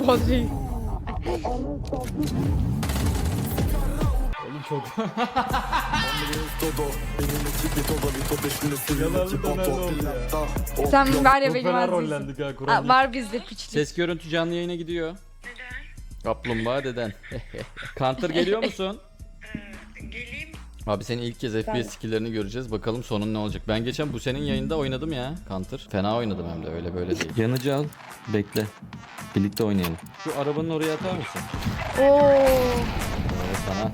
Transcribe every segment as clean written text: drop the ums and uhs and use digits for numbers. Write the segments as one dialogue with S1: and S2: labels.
S1: Bodri.
S2: Oğlum çok... Yalanlı döner oldu ya.
S1: Sen var ya
S2: Çok
S1: benim
S2: fena
S1: azizim.
S2: rollendik ha Kur'an.
S1: Var bizde piçlik.
S2: Ses görüntü canlı yayına gidiyor. Kaplumbağa deden. Counter geliyor musun?
S3: Geleyim.
S2: Abi senin ilk kez FPS skill'lerini göreceğiz. Bakalım sonun ne olacak. Ben geçen bu senin yayında oynadım ya Counter. Fena oynadım hem de öyle böyle değil. Yanıcı al. Bekle. Birlikte oynayalım. Şu arabanın oraya atar mısın?
S1: Oo.
S2: Evet sana.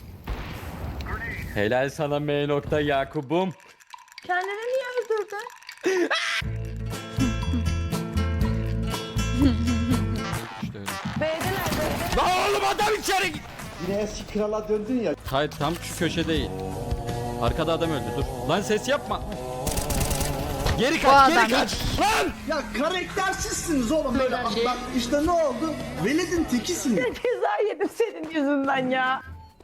S2: Helal sana M. Yakub'um.
S1: Kendini niye öldürdün?
S2: İşte öyle.
S1: B'deler B'de.
S2: Lan oğlum adam içeri git.
S4: Yine eski krala döndün ya.
S2: Hayır tam şu köşe değil. Arkada adam öldü dur. Lan ses yapma. Geri
S1: O
S2: kaç
S1: adam
S2: geri kaç. Lan.
S4: Ya karaktersizsiniz oğlum böyle. Bak işte ne oldu? Veled'in tekisiniz.
S1: Ceza yedim senin yüzünden ya.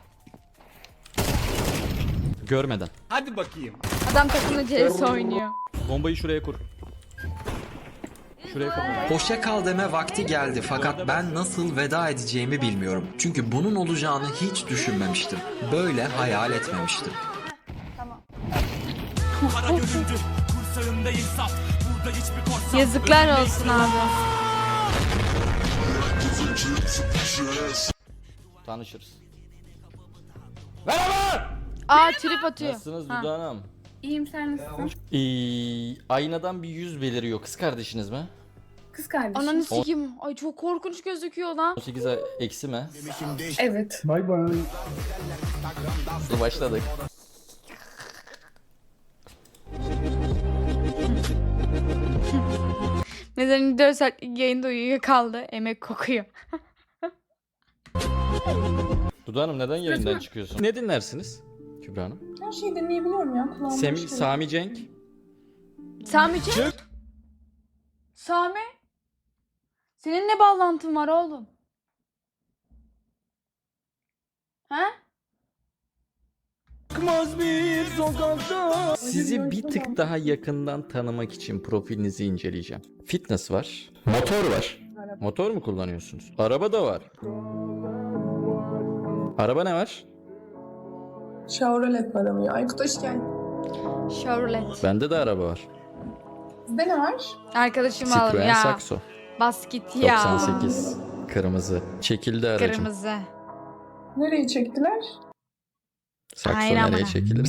S2: Görmeden.
S1: Adam takımla CS oynuyor.
S2: Bombayı şuraya kur. Şuraya kur.
S5: Hoşça kal deme vakti geldi fakat ben nasıl veda edeceğimi bilmiyorum. Çünkü bunun olacağını hiç düşünmemiştim. Böyle hayal etmemiştim.
S1: Yazıklar olsun abi.
S2: Tanışırız. Merhaba.
S1: Aa trip atıyor.
S2: Nasılsınız
S1: Ha.
S2: Dudu Hanım?
S6: İyiyim, sen nasılsın?
S2: Aynadan bir yüz beliriyor. Kız kardeşiniz mi?
S6: Kız kardeşim.
S1: Ananı sikeyim. Ay çok korkunç gözüküyor lan.
S2: 18 eksi mi?
S6: Evet.
S2: Hızlı başladık.
S1: Mesela 4 saatlik yayında uyuyor kaldı. Emek kokuyor.
S2: Dudu Hanım neden yayından çıkıyorsun? Ne dinlersiniz Kübra Hanım?
S6: Her şeyi dinleyebiliyorum ya. Kulağımda
S2: Sami Cenk.
S1: Sami Cenk. Sami. Senin ne bağlantın var oğlum? Ha?
S2: Sizi bir tık daha yakından tanımak için profilinizi inceleyeceğim. Fitness var. Motor var. Motor mu kullanıyorsunuz? Araba da var. Araba ne var?
S6: Chevrolet var ama ya. Aykut hoş geldin.
S1: Chevrolet.
S2: Bende de araba var.
S6: Sizde ne var?
S1: Arkadaşım aldım
S2: Citroen
S1: ya.
S2: Saxo.
S1: Bas git ya.
S2: 98. Kırmızı. Çekildi aracım.
S1: Kırmızı.
S6: Nereye çektiler?
S2: Sakso
S1: Aynen
S2: nereye
S1: bana.
S2: çekilir?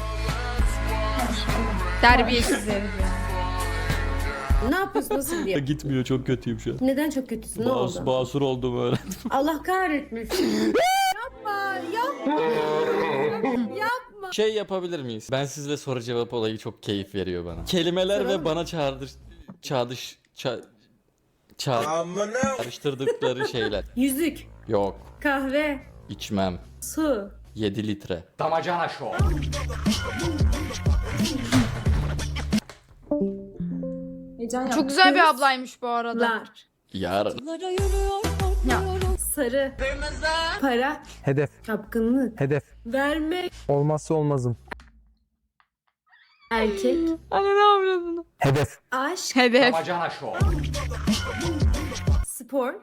S1: Terbiyesiz herif ya.
S7: Ne yapıyorsun, nasıl gidiyor?
S2: Gitmiyor, çok kötüyüm şu an.
S7: Neden çok kötüsün, ne oldu?
S2: Basur oldum öyle.
S7: Allah kahretmesin.
S2: Şey yapabilir miyiz? Ben sizle soru cevap olayı çok keyif veriyor bana. Kelimeler ve bana çağrıştırdıkları şeyler.
S7: Yüzük,
S2: Yok,
S7: kahve,
S2: içmem.
S7: su.
S2: 7 litre.
S6: Heyecan
S1: Çok güzel bir ablaymış bu arada.
S7: Lar.
S2: Yarın.
S7: Sarı. Para.
S8: Hedef,
S7: Çapkınlık.
S8: hedef.
S7: Vermek.
S8: Olmazsa olmazım.
S7: Erkek.
S1: Anne ne yapıyorsun?
S8: Hedef.
S7: Aşk.
S1: Hedef.
S7: Spor.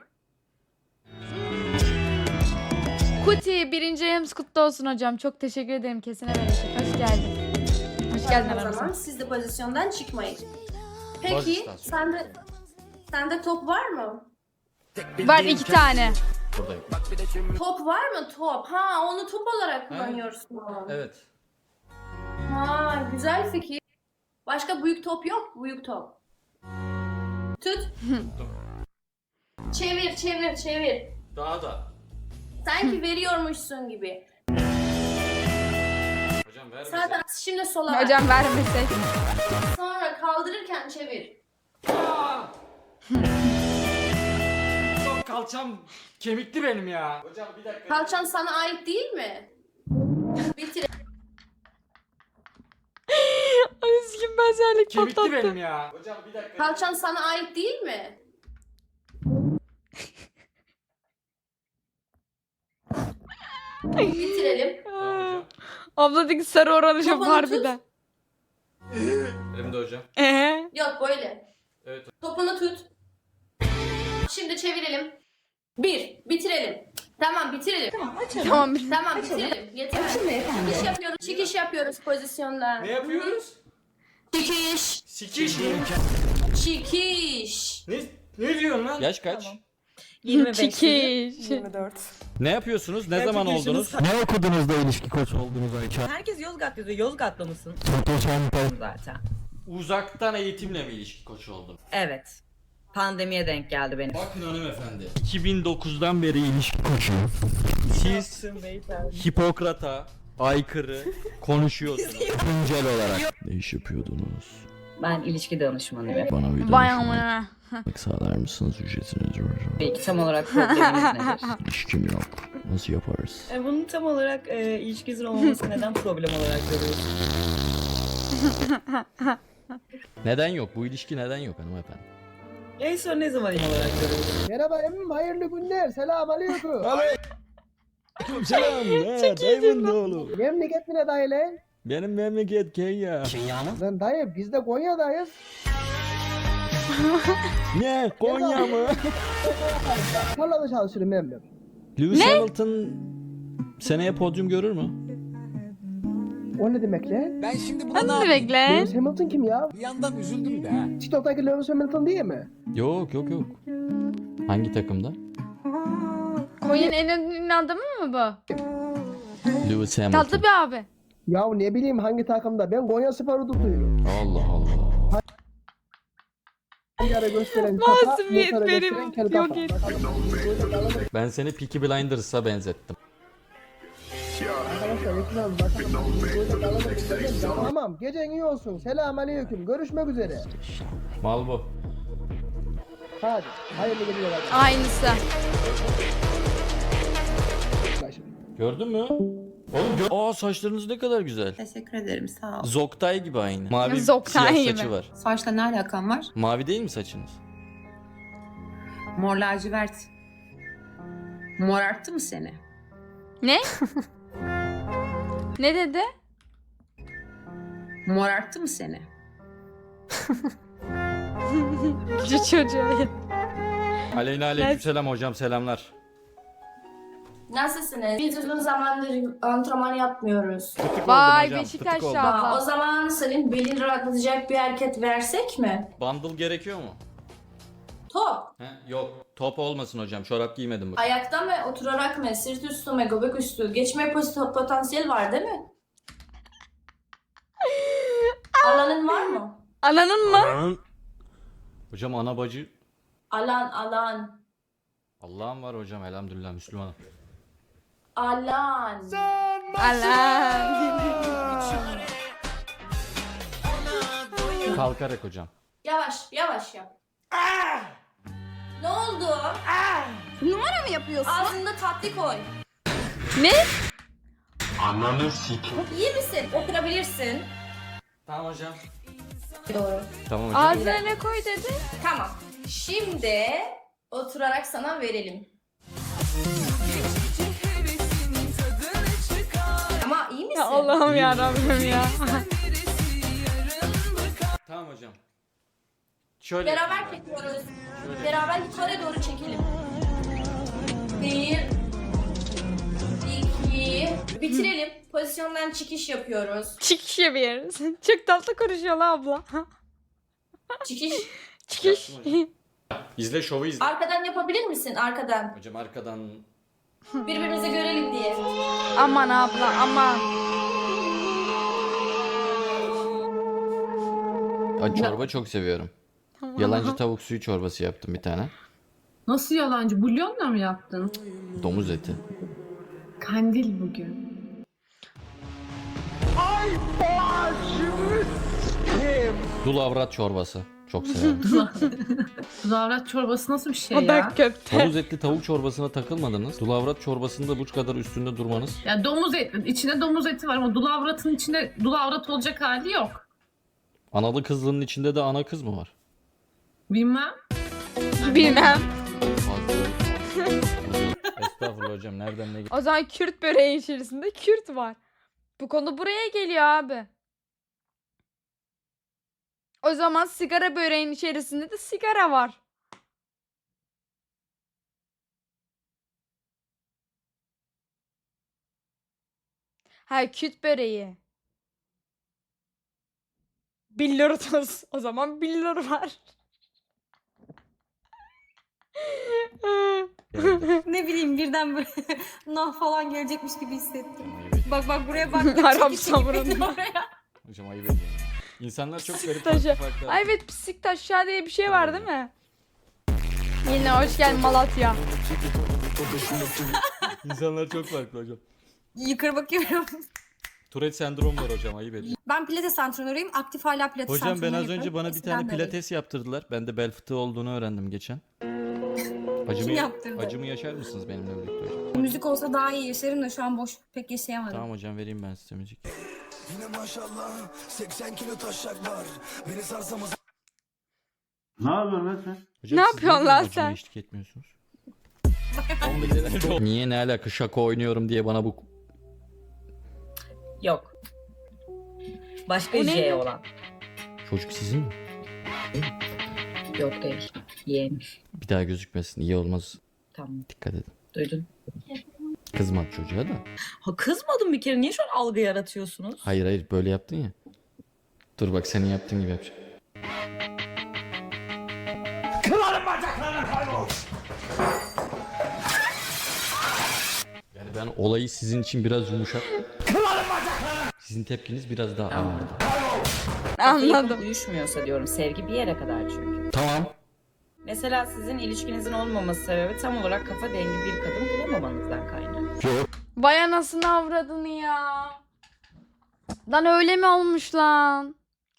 S1: Kuti 1. ayımız kutlu olsun hocam. Çok teşekkür ederim. Kesine bereket. Hoş geldin. Hoş geldin
S9: O zaman
S1: aramıza.
S9: siz de pozisyondan çıkmayın.
S2: Bas
S9: Peki
S2: istersen.
S9: sende top var mı?
S1: Var 2 tane.
S2: Buradayım.
S9: Top var mı top? Ha onu top olarak kullanıyorsun.
S2: Evet.
S9: Ha güzel fikir. Başka büyük top yok mu? Büyük top. Tut. Çevir çevir çevir.
S2: Daha da.
S9: Sanki veriyormuşsun gibi.
S2: Hocam ver
S9: Zaten şimdi sola ver.
S1: Hocam vermesek.
S9: Sonra kaldırırken çevir.
S2: Kalçam kemikli benim ya. Hocam bir dakika.
S9: Kalçan sana ait değil mi? Bitir.
S1: Ay sikim benzerlik patlattı.
S2: ya. Hocam bir dakika.
S9: Kalçan sana ait değil mi? Bitirelim.
S1: Abladaki sarı oranı şu
S9: Kafanı
S1: harbiden.
S2: Elimde hocam.
S9: Yok böyle.
S2: Evet.
S9: Topunu tut. şimdi çevirelim. Bitirelim. Tamam bitirelim.
S1: Tamam.
S9: Tamam bitirelim. Yeter. Çıkış yapıyoruz. Çıkış yapıyoruz pozisyonda.
S8: Ne yapıyoruz?
S9: Çıkış.
S8: Sikiş mi?
S9: Çıkış.
S8: Ne diyorsun lan?
S2: Yaş kaç?
S7: 25.
S1: Çekiş.
S6: 24.
S2: Ne yapıyorsunuz? Ne zaman oldunuz?
S10: Ne okudunuz da ilişki koçu oldunuz Ayça?
S7: Herkes Yozgat yazıyor. Yozgatlı mısın? Zaten.
S2: Uzaktan eğitimle mi ilişki koçu oldun?
S7: Evet. Pandemiye denk geldi benim.
S2: Bakın hanımefendi. 2009'dan beri ilişki koçu. Siz Hipokrat'a aykırı konuşuyorsunuz.
S10: Güncel olarak.
S2: Ne iş yapıyordunuz?
S7: Ben ilişki danışmanıyım.
S2: Bana bir
S1: Vay amına.
S2: sağlar mısınız ücretiniz?
S7: Peki tam olarak probleminiz nedir?
S2: İlişkim yok. Nasıl yaparız?
S7: Bunun tam olarak ilişkinizin olmaması neden problem olarak görüyorsunuz?
S2: Neden yok? Bu ilişki neden yok hanımefendi?
S7: En son ne zaman olarak görüyorsunuz?
S4: Merhaba emmim hayırlı günler. Selam aleyküm.
S2: Selam. Dayımın oğlu.
S4: Memleket ne dayı lan?
S2: Benim memleket Kenya.
S4: Lan dayı biz de Konya'dayız.
S2: Ne? Konya mı?
S4: Tarlada çalışırım emmim.
S2: Lewis Hamilton seneye podyum görür mü?
S4: O ne demek lan?
S10: Ben şimdi
S1: Hadi bekle.
S4: Lewis Hamilton kim ya?
S10: bir yandan üzüldüm de ha.
S4: TikTok'taki Lewis Hamilton değil mi?
S2: Yok. Hangi takımda?
S1: Konya'nın en ünlü adamı mı bu?
S2: Lewis Hamilton.
S4: şey
S1: Tatlı bir abi.
S4: Ya ne bileyim hangi takımda? Ben Konya Spor'u tutuyorum.
S2: Allah Allah.
S4: Bir ara gösteren kafa,
S1: Masumiyet
S4: motora
S1: benim.
S4: gösteren kel
S1: Yok
S4: kafa.
S1: et.
S2: Ben seni Peaky Blinders'a benzettim.
S4: Arkadaşlar lütfen bakalım. Tamam gecen iyi olsun. Selam aleyküm. Görüşmek üzere.
S2: Mal bu.
S4: Hadi. Hayırlı geceler.
S1: Aynısı.
S2: Gördün mü? Oğlum Aa saçlarınız ne kadar güzel.
S11: Teşekkür ederim sağ ol.
S2: Zoktay gibi aynı. Mavi
S1: Zoktay
S2: siyah
S1: gibi.
S2: saçı var.
S11: Saçla ne alakan var?
S2: Mavi değil mi saçınız?
S11: Mor lacivert. Mor arttı mı seni?
S1: Ne? Ne dedi?
S11: Mor arttı mı seni?
S1: Küçük çocuğa.
S2: Aleyna aleykümselam hocam selamlar.
S9: Nasılsınız? Biz uzun zamandır antrenman yapmıyoruz.
S2: Fıtık oldum
S1: Vay
S2: hocam,
S1: Beşiktaş
S2: fıtık oldum.
S9: O
S1: abla.
S9: zaman senin belini rahatlatacak bir hareket versek mi?
S2: Bundle gerekiyor mu?
S9: Top.
S2: Yok. Top olmasın hocam. Çorap giymedim bak.
S9: Ayakta mı, oturarak mı, sırt üstü mü, göbek üstü? Geçme potansiyel var değil mi? Alanın var mı?
S1: Ananın mı?
S2: Hocam ana bacı.
S9: Alan.
S2: Allah'ım var hocam elhamdülillah Müslümanım.
S9: Alan.
S1: Allah.
S2: Kalkarak hocam.
S9: Yavaş yap. Ne oldu?
S7: Numara mı yapıyorsun?
S9: Ağzında tatlı koy.
S1: Ne?
S9: İyi misin? Oturabilirsin.
S2: Tamam hocam.
S9: Doğru.
S2: Tamam hocam.
S1: Ağzına ne koy dedi?
S9: Tamam. Şimdi oturarak sana verelim. Ama iyi misin?
S1: Ya Allah'ım ya Rabbim ya.
S2: Tamam hocam. Şöyle.
S9: Beraber çekiyoruz. Beraber yukarı doğru çekelim. 1 2 Bitirelim. Pozisyondan çıkış yapıyoruz.
S1: Çıkış yapıyoruz. Çok tatlı konuşuyor la abla.
S9: Çıkış.
S1: Çıkış.
S2: İzle şovu izle.
S9: Arkadan yapabilir misin? Arkadan.
S2: Hocam arkadan.
S9: Birbirimizi görelim diye.
S1: Aman abla aman.
S2: Ay, çorba çok seviyorum. Yalancı tavuk suyu çorbası yaptım bir tane.
S11: Nasıl yalancı? Bulyonla mı yaptın?
S2: Domuz eti.
S11: Kandil bugün.
S2: Dul avrat çorbası. Çok severim.
S11: Zavrat çorbası nasıl bir şey
S1: O da köfte.
S2: Domuz etli tavuk çorbasına takılmadınız. Dul avrat çorbasında bu kadar üstünde durmanız.
S11: Ya domuz eti, içinde domuz eti var ama dulavratın içinde dulavrat olacak hali yok.
S2: Analı kızlının içinde de ana kız mı var?
S11: Bilmem.
S1: Bilmem.
S2: Estağfurullah hocam nereden ne
S1: O zaman Kürt böreği içerisinde Kürt var. Bu konu buraya geliyor abi. O zaman sigara böreğin içerisinde de sigara var. Ha, küt böreği. Billur tuz. O zaman billur var.
S9: Ne bileyim birden böyle nah falan gelecekmiş gibi hissettim. Bak buraya bak.
S1: Arap
S9: Çekil, çekil beni
S1: savurunda.
S9: oraya.
S2: Hocam ayıp ediyorum. İnsanlar çok garip
S1: Taşı.
S2: farklı.
S1: Ay evet, pislik taşağı diye bir şey var değil mi? Yine hoş geldin Malatya.
S2: İnsanlar çok farklı hocam.
S9: Yukarı bakıyorum.
S2: Tourette sendromu var hocam, ayıp ediyorum.
S9: Ben pilates antrenörüyüm. Aktif hala pilates
S2: Hocam ben
S9: antrenörü
S2: az önce
S9: yapıyorum.
S2: bana bir
S9: Eskiden
S2: tane
S9: de öyleydim.
S2: pilates yaptırdılar. Ben de bel fıtığı olduğunu öğrendim geçen.
S9: Kim yaptırdı?
S2: Acımı yaşar mısınız benimle birlikte hocam?
S9: Müzik olsa daha iyi yaşarım da şu an boş pek yaşayamadım.
S2: Tamam hocam, vereyim ben size müzik.
S4: Ne yapıyorsun lan sen?
S2: Hocam,
S1: Ne
S2: siz
S1: yapıyorsun
S2: niye
S1: lan
S2: benim acıma
S1: sen?
S2: eşlik etmiyorsunuz? Niye, ne alaka, şaka oynuyorum diye bana bu...
S7: Yok. Başka
S1: O ne?
S7: J olan.
S2: Çocuk sizin mi?
S7: Yok değil. Yeğenmiş.
S2: Bir daha gözükmesin, iyi olmaz.
S7: Tamam.
S2: Dikkat edin.
S7: Duydun.
S2: Kızmadı çocuğa da.
S7: Ha, kızmadım bir kere. Niye şu an algı yaratıyorsunuz?
S2: Hayır böyle yaptın ya. Dur bak, senin yaptığın gibi yapacağım. Yani ben olayı sizin için biraz yumuşak. Sizin tepkiniz biraz daha ağırdı.
S1: Anladım.
S7: Uyuşmuyorsa diyorum. Sevgi bir yere kadar çünkü.
S2: Tamam.
S7: Mesela sizin ilişkinizin olmaması sebebi tam olarak kafa dengi bir kadın bulamamanızdan kaynaklı.
S1: Vay anasını avradını ya. Lan öyle mi olmuş lan?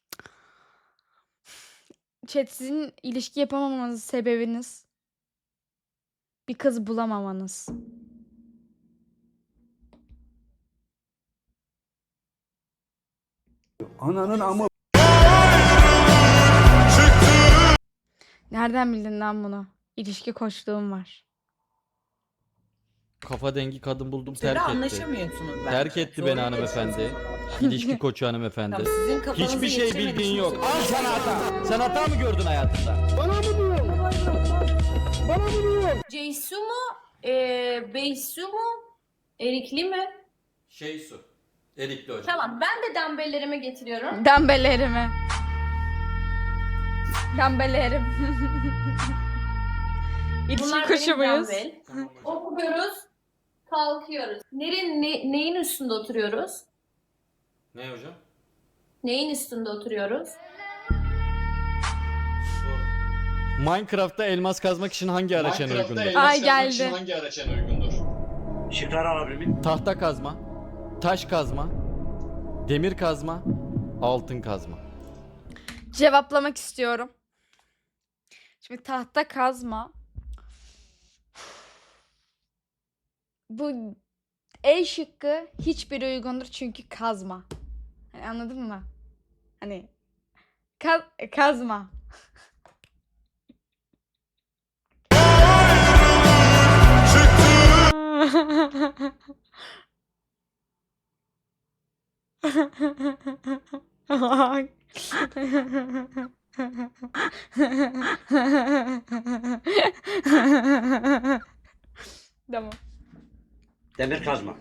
S1: Chat, sizin ilişki yapamamanız sebebiniz bir kız bulamamanız.
S4: Ananın amı.
S1: Nereden bildin lan bunu? İlişki koçluğum var.
S2: Kafa dengi kadın buldum,
S7: Siz
S2: terk etti.
S7: anlaşamıyorsunuz bence.
S2: Terk etti beni
S7: Zorluk
S2: hanımefendi.
S7: yaşıyorsunuz.
S2: İlişki koçu hanımefendi.
S7: Tamam, sizin kafanızı
S2: Hiçbir şey
S7: yetiremediğiniz
S2: bildiğin yok.
S7: için-
S2: Al sana hata. Sen hata mı gördün hayatında?
S9: Ceysu mu? Beysu mu? Erikli mi?
S2: Su. Erikli hocam.
S9: Tamam, ben de dumbbelllerimi getiriyorum.
S1: Dembellerimi. Dembellerim. İlişki
S9: Bunlar
S1: kuşu
S9: benim
S1: muyuz?
S9: dumbbell. Oturuyoruz, kalkıyoruz. Neyin üstünde oturuyoruz?
S2: Ne hocam?
S9: Neyin üstünde oturuyoruz?
S2: Minecraft'ta elmas kazmak için hangi araç en uygundur?
S1: Ay geldi.
S10: Hangi araç en uygundur?
S8: Şifre alabilir miyim?
S2: Tahta kazma, taş kazma, demir kazma, altın kazma.
S1: Cevaplamak istiyorum. Şimdi tahta kazma. Bu E şıkkı hiçbir uygundur çünkü kazma. Hani anladın mı? Hani kazma. Tamam.
S8: Demir kazma.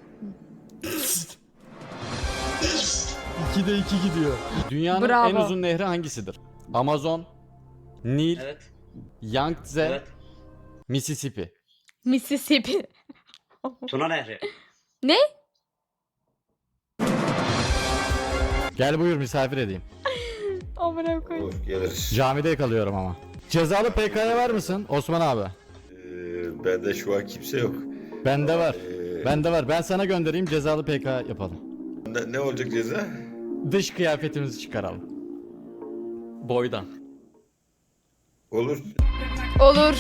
S2: 2'de 2 gidiyor. Dünyanın
S1: Bravo.
S2: en uzun nehri hangisidir? Amazon, Nil,
S8: Evet.
S2: Yangtze,
S8: Evet.
S2: Mississippi.
S1: Mississippi.
S8: Tuna Nehri.
S1: Ne?
S2: Gel buyur, misafir edeyim.
S1: Amına koyayım.
S2: Camide yakalıyorum ama. Cezalı PK'ya var mısın Osman abi?
S10: Bende şu an kimse yok.
S2: Bende var. Bende var. Ben sana göndereyim, cezalı PK yapalım.
S10: Ne olacak ceza?
S2: Dış kıyafetimizi çıkaralım. Boydan.
S10: Olur.
S1: Olur.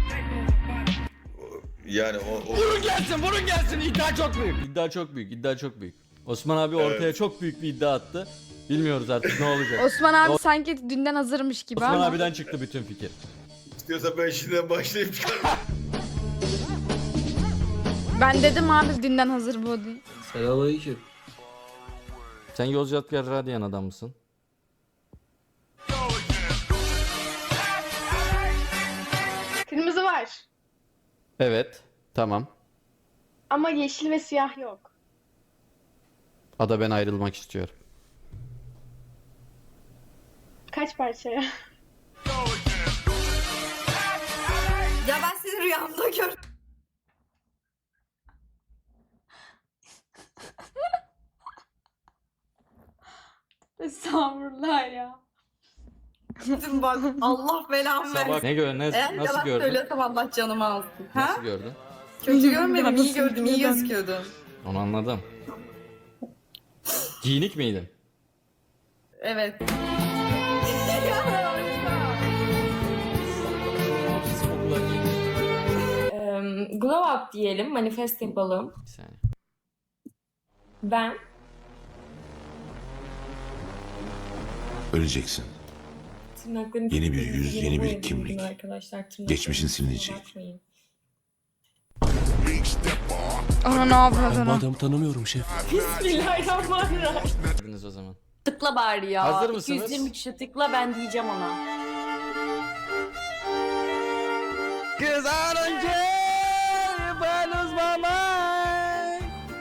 S10: Yani o
S2: Vurun gelsin, vurun gelsin. İddia çok büyük. İddia çok büyük, iddia çok büyük. Osman abi ortaya çok büyük bir iddia attı. Bilmiyoruz artık ne olacak.
S1: Osman abi sanki dünden hazırmış gibi
S2: Osman
S1: ama.
S2: abiden çıktı bütün fikir.
S10: istiyorsa ben şimdiden başlayayım çıkarmaya.
S1: Ben dedim abi dünden hazır bu diye.
S2: Selamünaleyküm. Sen Yozgatgar Radyan adam mısın?
S6: Kırmızı var.
S2: Evet. Tamam.
S6: Ama yeşil ve siyah yok.
S2: Ada ben ayrılmak istiyorum.
S6: Kaç parçaya?
S9: Ya ben sizi rüyamda gördüm.
S1: Estağfurullah ya.
S9: Bak Allah belamı
S2: Sabah
S9: versin.
S2: ne gör ne
S9: Eğer
S2: nasıl
S9: yalan
S2: gördün?
S9: söylüyorsam Allah canımı alsın. Ha?
S2: Nasıl gördün?
S9: Kötü görmedim, iyi gördüm, iyi gözüküyordum.
S2: Onu anladım. Giyinik miydin?
S9: Evet.
S7: Glow up diyelim, manifest yapalım.
S2: Bir saniye.
S7: Ben
S12: Öleceksin.
S7: tırnaklarını
S12: Yeni bir yüz,
S7: yeni
S12: yeni bir
S7: boyadım
S12: kimlik.
S7: bugün arkadaşlar. Tırnaklarım
S12: Geçmişin silinecek.
S7: bakmayın.
S1: Ana ne yapıyordun?
S12: adamı tanımıyorum şef.
S7: Bismillahirrahmanirrahim.
S2: Dediniz o zaman.
S7: Tıkla bari ya.
S2: Hazır mısınız?
S7: 220 kişi tıkla, ben diyeceğim ona.
S2: Kız önce ben uzmamay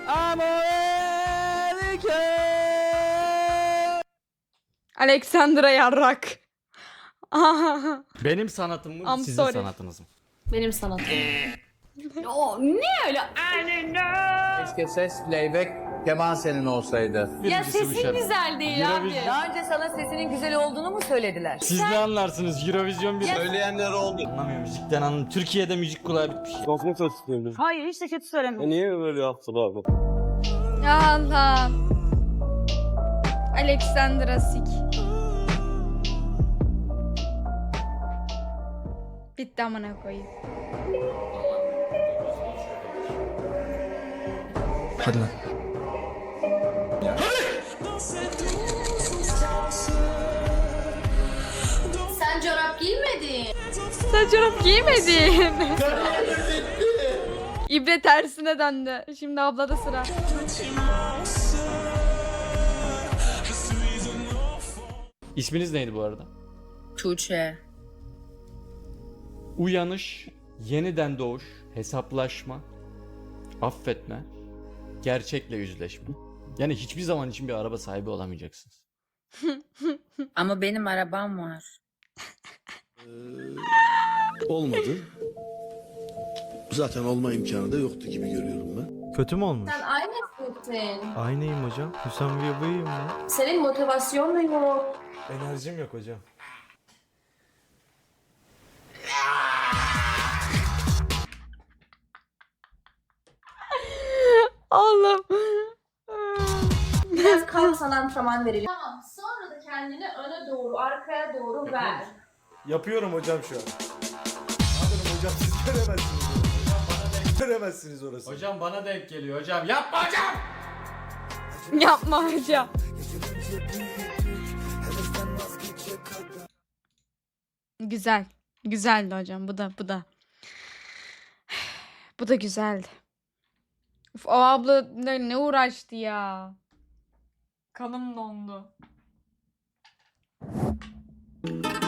S1: Alexandra Yarrak.
S2: Benim sanatım mı
S1: I'm
S2: sizin
S1: sorry.
S2: sanatınız mı?
S7: Benim sanatım. O ne öyle?
S4: Keşke ses playback Kemal senin olsaydı.
S7: Ya
S2: Birincisi bu
S7: sesin
S2: şarkı.
S7: güzel değil abi.
S2: Eurovision.
S9: önce sana sesinin güzel olduğunu mu söylediler?
S2: Siz ne anlarsınız? Eurovision bir
S10: Söyleyenler oldu.
S2: anlamıyor müzikten anlamıyor. Türkiye'de müzik kulağı bitmiş.
S9: Hayır hiç de kötü söylemiyorum.
S10: Niye böyle yaptın abi?
S1: Allah. Alexandra Sik. Bitti amına koyayım.
S12: Hadi lan.
S9: Sen çorap giymedin.
S1: Sen çorap giymedin. İbre tersine döndü. Şimdi ablada sıra.
S2: İsminiz neydi bu arada?
S7: Tuğçe.
S2: Uyanış, yeniden doğuş, hesaplaşma, affetme, gerçekle yüzleşme. Yani hiçbir zaman için bir araba sahibi olamayacaksınız.
S7: Ama benim arabam var.
S12: Olmadı. Zaten olma imkanı da yoktu gibi görüyorum ben.
S13: Kötü mü olmuş?
S9: Sen aynısın.
S13: Aynıyım hocam. Hüsam Bey'im ben.
S9: Senin motivasyon da yok.
S13: Enerjim yok hocam.
S1: Allah'ım.
S9: Biraz kalksan antrenman verelim. Tamam sonra da kendini öne doğru arkaya doğru ver.
S13: Yapıyorum hocam şu an. Anladım hocam, siz göremezsiniz. Hocam bana denk göremezsiniz orası.
S2: Hocam bana denk geliyor hocam. Yapma hocam!
S1: Yapma hocam. Güzel. Güzeldi hocam. Bu da. Bu da güzeldi. Uf, o abla ne uğraştı ya. Kanım dondu.